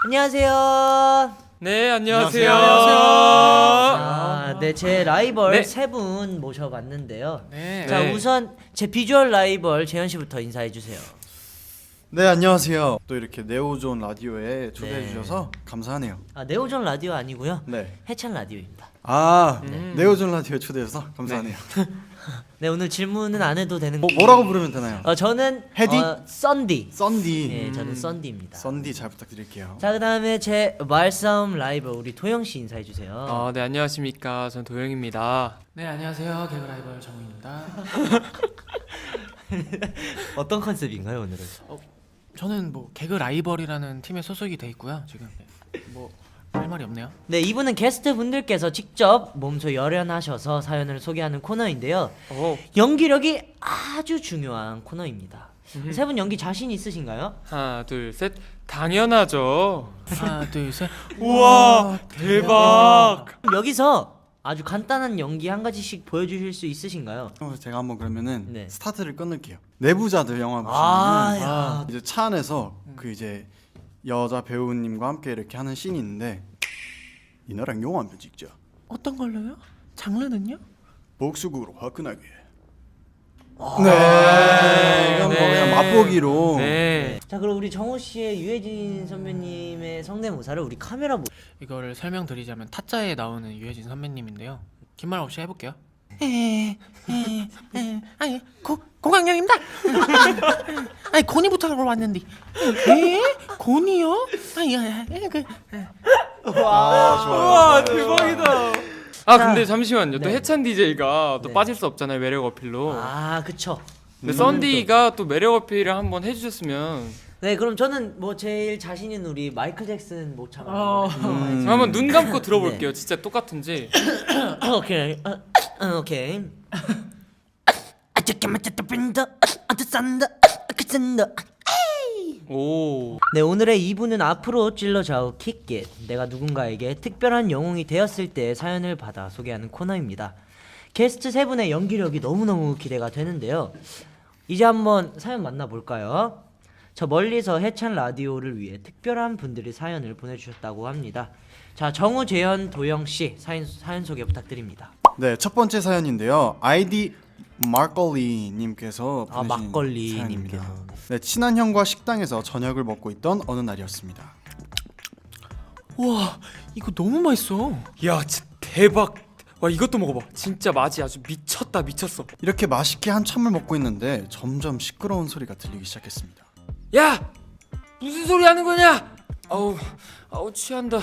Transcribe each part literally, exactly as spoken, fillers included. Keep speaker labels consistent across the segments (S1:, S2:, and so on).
S1: 안녕하세요.
S2: 네, 안녕하세요.
S3: 안녕하세요.
S1: 아, 네, 제 라이벌
S2: 네.
S1: 세 분 모셔봤는데요.
S3: 네.
S1: 자,
S2: 네.
S1: 우선 제 비주얼 라이벌 재현 씨부터 인사해 주세요.
S3: 네, 안녕하세요. 또 이렇게 네오존 라디오에 초대해
S1: 네.
S3: 주셔서 감사하네요.
S1: 아, 네오존 라디오 아니고요.
S3: 네.
S1: 해찬 라디오입니다.
S3: 아,
S2: 음.
S3: 네오존 라디오에 초대해서 감사하네요.
S1: 네, 오늘 질문은 안 해도 되는
S3: 뭐,
S1: 거.
S3: 뭐라고 부르면 되나요?
S1: 어, 저는
S3: 헤디?
S1: 어, 썬디.
S3: 썬디.
S1: 네,
S2: 음.
S1: 저는 썬디입니다.
S3: 썬디 잘 부탁드릴게요.
S1: 자, 그다음에 제 말싸움 라이벌 우리 도영 씨 인사해 주세요.
S2: 아, 네, 안녕하십니까. 전 도영입니다.
S4: 네 안녕하세요 개그 라이벌 정우입니다.
S1: 어떤 컨셉인가요, 오늘은?
S4: 저는 뭐 개그 라이벌이라는 팀에 소속이 돼 있고요. 지금 뭐 할 말이 없네요.
S1: 네, 이분은 게스트 분들께서 직접 몸소 열연하셔서 사연을 소개하는 코너인데요.
S2: 오,
S1: 연기력이 아주 중요한 코너입니다.
S2: 음흠.
S1: 세 분 연기 자신 있으신가요?
S2: 하나, 둘, 셋. 당연하죠.
S4: 하나 둘 셋.
S2: 우와, 대박.
S1: 여기서 아주 간단한 연기 한 가지씩 보여주실 수 있으신가요?
S3: 그럼 제가 한번 그러면은
S1: 네.
S3: 스타트를 끊을게요. 내부자들 영화
S1: 아,
S3: 보시면
S1: 야.
S3: 이제 차 안에서 그 이제 여자 배우님과 함께 이렇게 하는 씬이 있는데 이나랑 영화 한 편 찍자.
S4: 어떤 걸로요? 장르는요?
S3: 복수극으로 화끈하게. 네, 이건 뭐
S2: 네.
S3: 그냥 맛보기로.
S2: 네.
S1: 자, 그럼 우리 정호 씨의 유해진 선배님의 성대모사를 우리 카메라 보.
S4: 이거를 설명드리자면 타짜에 나오는 유해진 선배님인데요. 긴 말 없이 해볼게요. 에에에 아니 고 고강령입니다. 아니 고니부터 하러 왔는데. 에 고니요? 아니 아니 그.
S3: 아, 좋아요.
S2: 우와,
S3: 좋아요.
S2: 대박이다. 아,
S1: 자,
S2: 근데 잠시만요. 또
S1: 네.
S2: 해찬 디제이가 또
S1: 네.
S2: 빠질 수 없잖아요. 매력 어필로.
S1: 아, 그쵸.
S2: 근데 썬디가 또 매력 어필을 한번 해주셨으면
S1: 네, 그럼 저는 뭐 제일 자신 있는 우리 마이클 잭슨 모창.
S4: 어.
S3: 음.
S2: 한번 눈 감고 들어볼게요. 진짜 똑같은지.
S1: 오케이. 어, 어, 오케이. 아저께 맞췄다 빈다. 아저 산다. 그 산다.
S2: 오.
S1: 네, 오늘의 이 부는 앞으로 찔러 좌우 킥겟. 내가 누군가에게 특별한 영웅이 되었을 때 사연을 받아 소개하는 코너입니다. 게스트 세 분의 연기력이 너무너무 기대가 되는데요. 이제 한번 사연 만나볼까요? 저 멀리서 해찬 라디오를 위해 특별한 분들이 사연을 보내주셨다고 합니다. 자, 정우, 재현, 도영 씨 사연, 사연 소개 부탁드립니다.
S3: 네, 첫 번째 사연인데요. 아이디 막걸리 님께서
S1: 아,
S3: 보내신
S1: 막걸리
S3: 사연입니다.
S1: 님께서.
S3: 네, 친한 형과 식당에서 저녁을 먹고 있던 어느 날이었습니다.
S4: 와 이거 너무 맛있어.
S2: 야, 진짜 대박. 와, 이것도 먹어봐. 진짜 맛이 아주 미쳤다, 미쳤어.
S3: 이렇게 맛있게 한참을 먹고 있는데 점점 시끄러운 소리가 들리기 시작했습니다.
S2: 야, 무슨 소리 하는 거냐? 아우, 아우 취한다.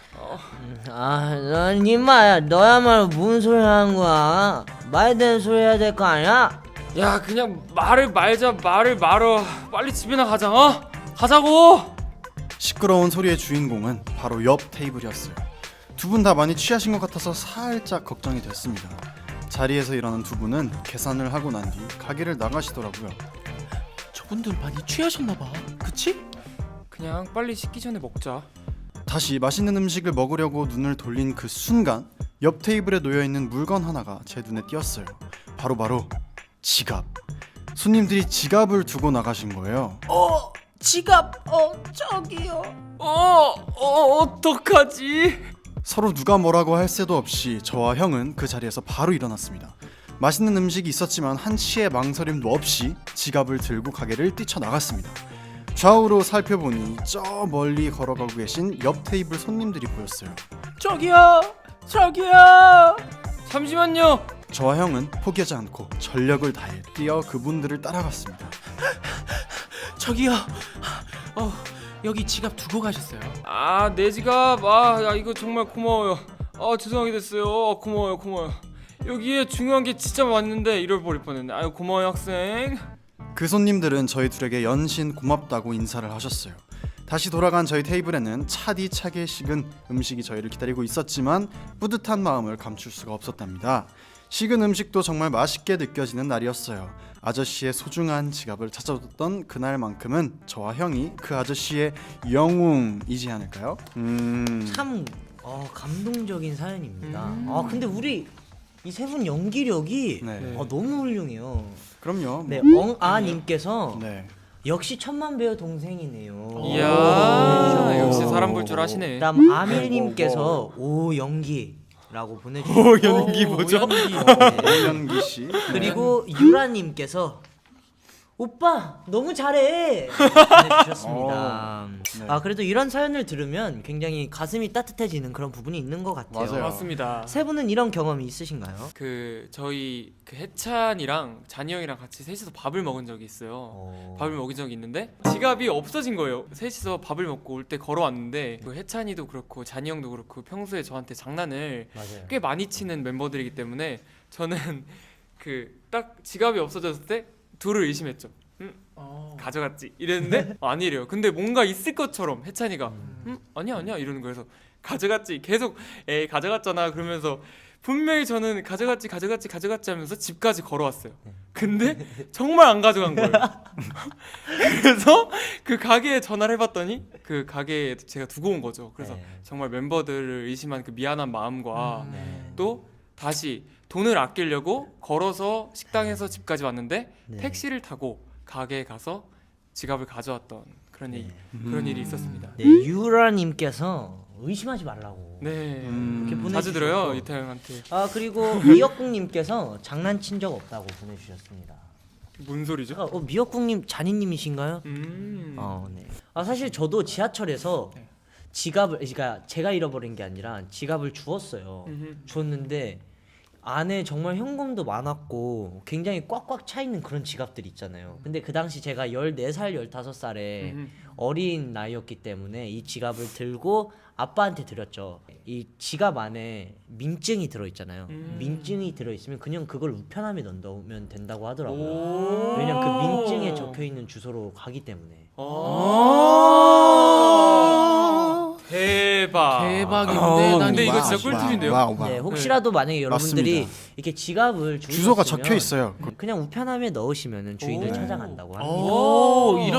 S1: 아, 넌 임마야, 너야말로 무슨 소리 하는 거야? 말 되는 소리 해야 될 거 아니야?
S2: 야, 그냥 말을 말자, 말을 말어. 빨리 집이나 가자, 어? 가자고.
S3: 시끄러운 소리의 주인공은 바로 옆 테이블이었어요. 두 분 다 많이 취하신 것 같아서 살짝 걱정이 됐습니다. 자리에서 일어난 두 분은 계산을 하고 난 뒤 가게를 나가시더라고요.
S4: 저분들 많이 취하셨나봐. 그치?
S2: 그냥 빨리 식기 전에 먹자.
S3: 다시 맛있는 음식을 먹으려고 눈을 돌린 그 순간 옆 테이블에 놓여있는 물건 하나가 제 눈에 띄었어요. 바로바로 지갑. 손님들이 지갑을 두고 나가신 거예요.
S4: 어 지갑 어 저기요.
S2: 어, 어, 어떡하지?
S3: 서로 누가 뭐라고 할 새도 없이 저와 형은 그 자리에서 바로 일어났습니다. 맛있는 음식이 있었지만 한치의 망설임도 없이 지갑을 들고 가게를 뛰쳐나갔습니다. 좌우로 살펴보니 저 멀리 걸어가고 계신 옆 테이블 손님들이 보였어요.
S4: 저기요 저기요.
S2: 잠시만요.
S3: 저와 형은 포기하지 않고 전력을 다해 뛰어 그분들을 따라갔습니다.
S4: 저기요. 어 여기 지갑 두고 가셨어요.
S2: 아, 내 지갑. 아, 야, 이거 정말 고마워요. 아, 죄송하게 됐어요. 어, 고마워요, 고마워요. 여기에 중요한 게 진짜 많은데 잃어버릴 뻔했네. 아유, 고마워요, 학생.
S3: 그 손님들은 저희 둘에게 연신 고맙다고 인사를 하셨어요. 다시 돌아간 저희 테이블에는 차디차게 식은 음식이 저희를 기다리고 있었지만 뿌듯한 마음을 감출 수가 없었답니다. 식은 음식도 정말 맛있게 느껴지는 날이었어요. 아저씨의 소중한 지갑을 찾아줬던 그날만큼은 저와 형이 그 아저씨의 영웅이지 않을까요? 음...
S1: 참 어, 감동적인 사연입니다.
S2: 음.
S1: 아, 근데 우리 이 세 분 연기력이
S3: 네.
S1: 어, 너무 훌륭해요.
S3: 그럼요.
S1: 네,
S3: 뭐.
S1: 엉아님께서
S3: 네.
S1: 역시 천만 배우 동생이네요.
S2: 이야,
S1: 오.
S2: 역시 사람 볼 줄 아시네.
S1: 다음 아밀님께서 오 연기라고 보내주셨고
S2: 오, 연기 뭐죠?
S3: 오연기 씨.
S1: 그리고 유라님께서 오빠 너무 잘해 보내주셨습니다.
S3: 네.
S1: 아 그래도 이런 사연을 들으면 굉장히 가슴이 따뜻해지는 그런 부분이 있는 것 같아요.
S3: 맞아요.
S2: 맞습니다.
S1: 세 분은 이런 경험이 있으신가요?
S2: 그 저희 그 해찬이랑 잔이 형이랑 같이 셋이서 밥을 먹은 적이 있어요.
S1: 어...
S2: 밥을 먹은 적이 있는데 지갑이 없어진 거예요. 셋이서 밥을 먹고 올 때 걸어왔는데 그 해찬이도 그렇고 잔이 형도 그렇고 평소에 저한테 장난을
S1: 맞아요.
S2: 꽤 많이 치는 멤버들이기 때문에 저는 그 딱 지갑이 없어졌을 때 둘을 의심했죠. 음,
S4: 어.
S2: 가져갔지 이랬는데 아니래요. 근데 뭔가 있을 것처럼 해찬이가 음 아니야 아니야 이러는 거여서 가져갔지 계속 에이 가져갔잖아 그러면서 분명히 저는 가져갔지 가져갔지 가져갔지 하면서 집까지 걸어왔어요. 근데 정말 안 가져간 거예요. 그래서 그 가게에 전화를 해봤더니 그 가게에 제가 두고 온 거죠. 그래서
S1: 네.
S2: 정말 멤버들을 의심한 그 미안한 마음과
S1: 네.
S2: 또 다시 돈을 아끼려고 걸어서 식당에서 집까지 왔는데
S1: 네.
S2: 택시를 타고 가게에 가서 지갑을 가져왔던 그런
S1: 네.
S2: 일, 그런 일이 있었습니다.
S1: 네, 유라님께서 의심하지 말라고
S2: 네,
S3: 음.
S1: 이렇게
S2: 자주
S1: 보내주셨고.
S2: 들어요 이태 형한테.
S1: 아 그리고 미역국님께서 장난친 적 없다고 보내주셨습니다.
S2: 뭔 소리죠?
S1: 아, 어, 미역국님 잔이님이신가요?
S2: 음.
S1: 어, 네. 아 사실 저도 지하철에서
S4: 네.
S1: 지갑을, 그러니까 제가 잃어버린 게 아니라 지갑을 주웠어요.
S2: 음흠.
S1: 주웠는데 안에 정말 현금도 많았고 굉장히 꽉꽉 차 있는 그런 지갑들 있잖아요. 근데 그 당시 제가 열네 살, 열다섯 살에
S2: 음흠.
S1: 어린 나이였기 때문에 이 지갑을 들고 아빠한테 드렸죠. 이 지갑 안에 민증이 들어있잖아요.
S2: 음.
S1: 민증이 들어있으면 그냥 그걸 우편함에 넣으면 된다고 하더라고요.
S2: 오.
S1: 왜냐면 그 민증에 적혀있는 주소로 가기 때문에.
S2: 오. 대박.
S4: 대박인데
S3: 어,
S4: 난
S2: 근데 이거
S3: 와우,
S2: 진짜 꿀팁인데요?
S3: 와우, 와우.
S1: 네, 혹시라도 만약에 여러분들이
S3: 맞습니다.
S1: 이렇게 지갑을 주셨으면
S3: 주소가 적혀 있어요.
S1: 그냥 우편함에 넣으시면 주인을
S2: 오.
S1: 찾아간다고 합니다.
S4: 오, 이런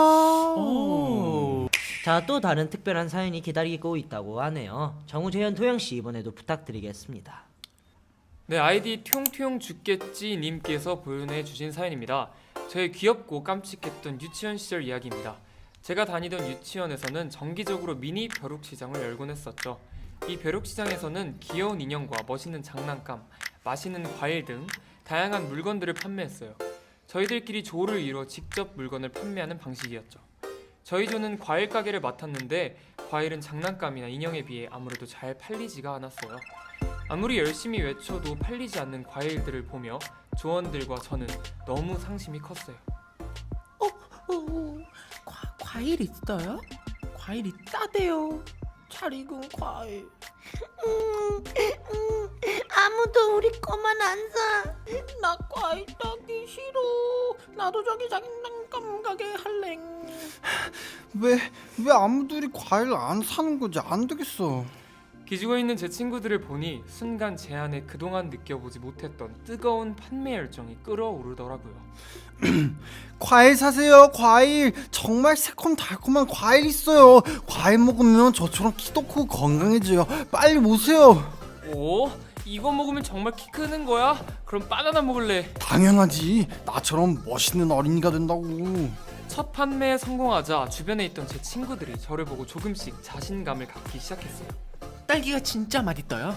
S3: 오.
S1: 자, 또 다른 특별한 사연이 기다리고 있다고 하네요. 정우재현 도영씨 이번에도 부탁드리겠습니다.
S2: 네, 아이디 퉁퉁 죽겠지 님께서 보내주신 사연입니다. 저의 귀엽고 깜찍했던 유치원 시절 이야기입니다. 제가 다니던 유치원에서는 정기적으로 미니 벼룩시장을 열곤 했었죠. 이 벼룩시장에서는 귀여운 인형과 멋있는 장난감, 맛있는 과일 등 다양한 물건들을 판매했어요. 저희들끼리 조를 이뤄 직접 물건을 판매하는 방식이었죠. 저희 조는 과일 가게를 맡았는데 과일은 장난감이나 인형에 비해 아무래도 잘 팔리지가 않았어요. 아무리 열심히 외쳐도 팔리지 않는 과일들을 보며 조원들과 저는 너무 상심이 컸어요.
S4: 어, 과, 과일 있어요? 과일 있다대요. 잘 익은 과일.
S5: 음, 음, 아무도 우리 거만 안 사.
S4: 나 과일 따기 싫어. 나도 저기 장난감 가게 할래.
S3: 왜, 왜 아무들이 과일을 안 사는 거지? 안 되겠어.
S2: 기죽어 있는 제 친구들을 보니 순간 제 안에 그동안 느껴보지 못했던 뜨거운 판매 열정이 끓어오르더라고요.
S3: 과일 사세요. 과일. 정말 새콤달콤한 과일 있어요. 과일 먹으면 저처럼 키도 크고 건강해져요. 빨리 오세요.
S2: 오? 이거 먹으면 정말 키 크는 거야? 그럼 바나나 먹을래.
S3: 당연하지. 나처럼 멋있는 어린이가 된다고.
S2: 첫 판매에 성공하자 주변에 있던 제 친구들이 저를 보고 조금씩 자신감을 갖기 시작했어요.
S4: 딸기가 진짜 맛있어요.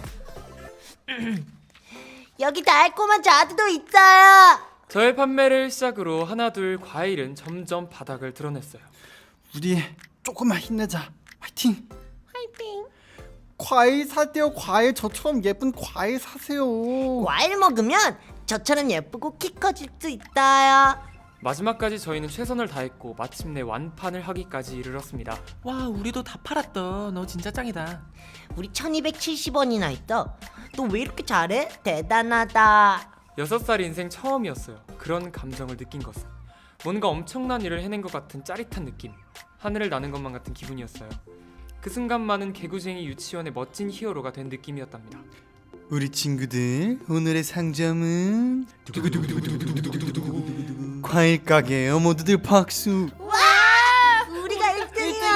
S5: 여기 달콤한 자두도 있어요.
S2: 저의 판매를 시작으로 하나둘 과일은 점점 바닥을 드러냈어요.
S3: 우리 조금만 힘내자. 화이팅.
S5: 화이팅.
S3: 과일 사세요. 과일. 저처럼 예쁜 과일 사세요.
S5: 과일 먹으면 저처럼 예쁘고 키 커질 수 있어요.
S2: 마지막까지 저희는 최선을 다했고 마침내 완판을 하기까지 이르렀습니다.
S4: 와, 우리도 다 팔았다. 너 진짜 짱이다.
S5: 우리 천이백칠십 원이나 있어. 너 왜 이렇게 잘해? 대단하다.
S2: 여섯 살 인생 처음이었어요. 그런 감정을 느낀 것은 뭔가 엄청난 일을 해낸 것 같은 짜릿한 느낌, 하늘을 나는 것만 같은 기분이었어요. 그 순간만은 개구쟁이 유치원의 멋진 히어로가 된 느낌이었답니다.
S3: 우리 친구들, 오늘의 상점은 과일 가게예요. 모두들 박수.
S5: 와! 우리가 일 등이야.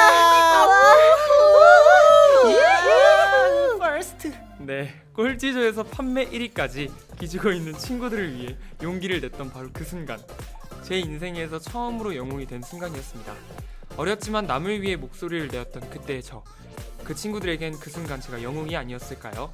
S4: 퍼스트.
S2: 네, 꼴찌조에서 판매 일 위까지 기죽어 있는 친구들을 위해 용기를 냈던 바로 그 순간 제 인생에서 처음으로 영웅이 된 순간이었습니다. 어렸지만 남을 위해 목소리를 내었던 그때의 저. 그 친구들에겐 그 순간 제가 영웅이 아니었을까요?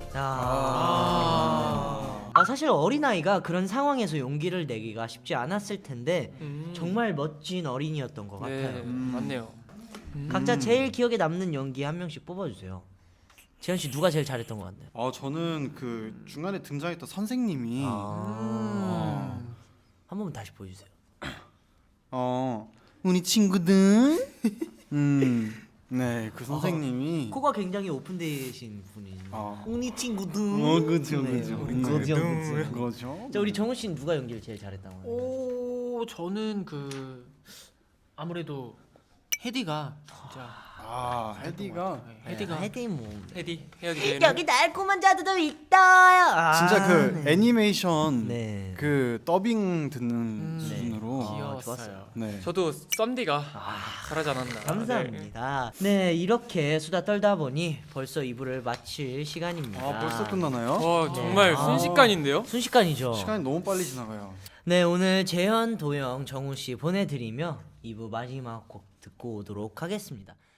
S1: 아... 아 사실 어린아이가 그런 상황에서 용기를 내기가 쉽지 않았을 텐데
S2: 음.
S1: 정말 멋진 어린이였던 것
S2: 네,
S1: 같아요.
S3: 음.
S2: 맞네요. 음.
S1: 각자 제일 기억에 남는 연기 한 명씩 뽑아주세요. 재현 씨 누가 제일 잘했던 것 같나요?
S3: 어 저는 그 중간에 등장했던 선생님이
S1: 아... 한 번만 다시 보여주세요.
S3: 어 우리 친구들 음 네 그 선생님이
S1: 코가 굉장히 오픈되신 분이.
S3: 어,
S1: 우리 친구들.
S3: 어 그죠
S1: 네,
S3: 그죠
S1: 우리
S3: 네.
S1: 그죠, 그죠.
S3: 그거죠.
S1: 자 우리 정우 씨는 누가 연기를 제일 잘했다고 하나요?
S4: 오 저는 그 아무래도 헤디가 진짜
S3: 아 헤디가
S4: 네, 헤디가
S1: 헤디 뭐
S2: 헤디 헤어지는
S5: 여기 달콤한 자두도 있어요.
S1: 아,
S3: 진짜 그
S1: 네.
S3: 애니메이션
S1: 네.
S3: 그 더빙 듣는
S4: 음,
S3: 수준으로
S1: 아,
S4: 귀여웠어요.
S1: 좋았어요.
S3: 네.
S2: 저도 썸디가 잘하지 않았나.
S1: 감사합니다. 네 이렇게 수다 떨다 보니 벌써 이 부를 마칠 시간입니다.
S3: 아 벌써 끝나나요?
S2: 와 정말
S1: 아.
S2: 순식간인데요?
S1: 순식간이죠.
S3: 시간이 너무 빨리 지나가요.
S1: 네 오늘 재현, 도영, 정우 씨 보내드리며 이 부 마지막 곡 듣고 오도록 하겠습니다.